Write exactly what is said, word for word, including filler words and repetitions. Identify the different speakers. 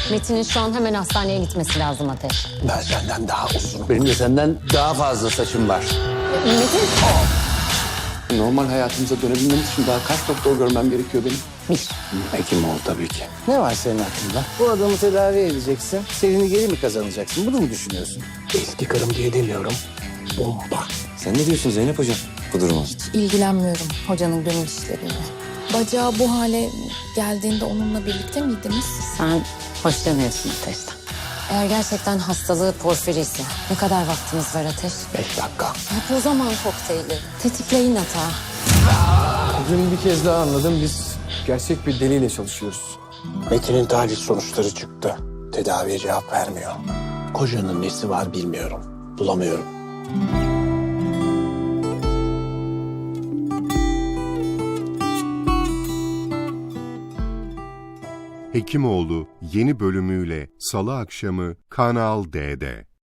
Speaker 1: Metin'in şu an hemen hastaneye gitmesi lazım Ateş.
Speaker 2: Ben senden daha uzun. Benim de senden daha fazla saçım var.
Speaker 1: Metin!
Speaker 2: Normal hayatımıza dönebilmem için daha kaç doktor görmem gerekiyor benim?
Speaker 1: Bir.
Speaker 2: Hekim ol tabii ki.
Speaker 3: Ne var senin aklında? Bu adamı tedavi edeceksin. Serini geri mi kazanacaksın? Bunu mu düşünüyorsun?
Speaker 2: Eski karım diye demiyorum. Bomba.
Speaker 4: Sen ne diyorsun Zeynep Hocam bu duruma?
Speaker 5: İlgilenmiyorum hocanın gönül işleriyle. Bacağı bu hale geldiğinde onunla birlikte miydiniz?
Speaker 1: Sen hoşlanıyorsun Ateş'ten. Eğer gerçekten hastalığı porfiri ise ne kadar vaktimiz var Ateş?
Speaker 2: Beş dakika.
Speaker 1: Yap o zaman kokteyli. Tetikleyin hata.
Speaker 6: Bugün bir kez daha anladım. Biz gerçek bir deliyle çalışıyoruz.
Speaker 2: Metin'in tahlil sonuçları çıktı. Tedaviye cevap vermiyor. Kocanın nesi var bilmiyorum. Bulamıyorum.
Speaker 7: Hekimoğlu yeni bölümüyle Salı akşamı Kanal D'de.